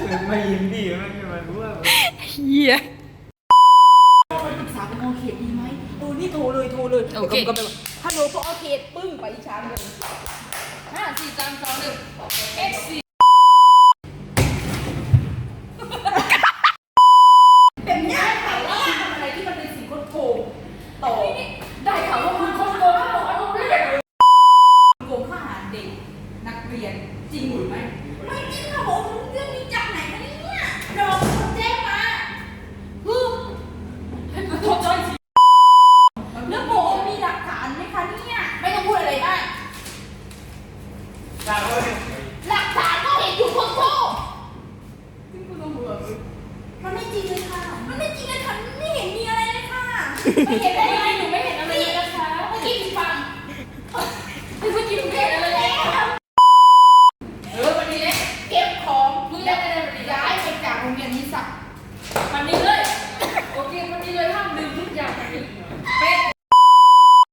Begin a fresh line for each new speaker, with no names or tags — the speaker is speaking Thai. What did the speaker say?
ไม่ยิ้มดิไม่มารู้ว่า
เฮีย
ไปปรึกษากับโอเคดีไหมนี่โทรเลยโอเคก็ไปบอกฮัลโหลพอโอเคปึ้งไปอีชามเลย5 4 3 2 1 X4เป็นง่ายค่ะว่าทำอะไรที่มันเป็นสิ่งโกงต่อได้ข่าวว่าคุณโกงโกงฆ่าเด็กนักเรียนจริงหรือไม่ไม่จริงค่ะผมเรื่องนี้จากไหนคะเนี่ยรอคนแจ้งมาให้ขอโทษจ้อยสิแล้วโบมีหลักฐานไหมคะเนี่ยไม่ต้องพูดอะไรได้หลักฐานก็เห็นอยู่คนโทษซึ่งคุณต้องบอกมันไม่จริงเลยค่ะมันไม่จริงเลยค่ะไม่เห็นมีอะไรเลยค่ะไม่เห็นได้ยังไงหนูไม่